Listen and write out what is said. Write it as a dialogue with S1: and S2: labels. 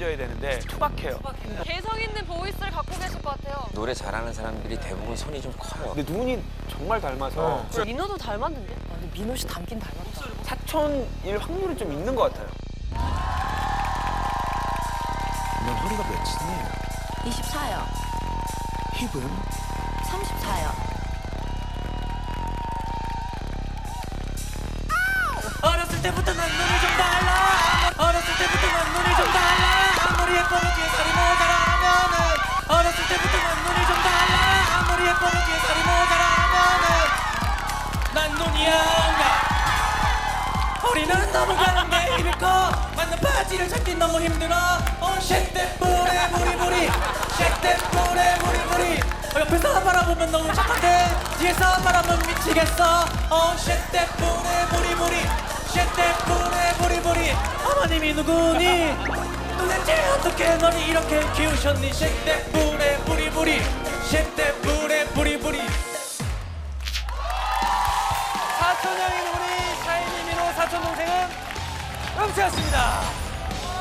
S1: 알려줘야 되는데 투박해요.
S2: 개성 있는 보이스를 갖고 계실 것 같아요.
S3: 노래 잘하는 사람들이 대부분 손이 좀 커요.
S1: 근데 눈이 정말 닮아서
S2: 민호도 닮았는데? 근데 민호 씨 닮긴 닮았다.
S1: 사촌일 확률이 좀 있는 것 같아요. 넌 허리가 몇이니?
S2: 24요.
S1: 힙은?
S2: 34요.
S4: 어렸을 때부터 난 눈이 좀 달라. 어렸을 때부터 난 눈이 좀 달라. 아무리 예뻐도 뒤에 살이 모자라면은. 어렸을 때부터 난 눈이 좀 달라. 아무리 예뻐도 뒤에 살이 모자라면은. 난 눈이야 온다. 허리는 너무 가는데 입이 커. 맞는 바지를 찾기 너무 힘들어. shake that booty booty booty. shake that booty booty booty. 옆에서 바라보면 너무 착한데 뒤에서 바라보면 미치겠어. shake that booty booty booty. shake that booty booty booty. 어머님이 누구니? 도대체 어떻게 너를 이렇게 키우셨니? shake that booty booty booty. shake that booty booty booty.
S1: 사촌형인 우리 샤이니 민호 사촌 동생은 음치였습니다.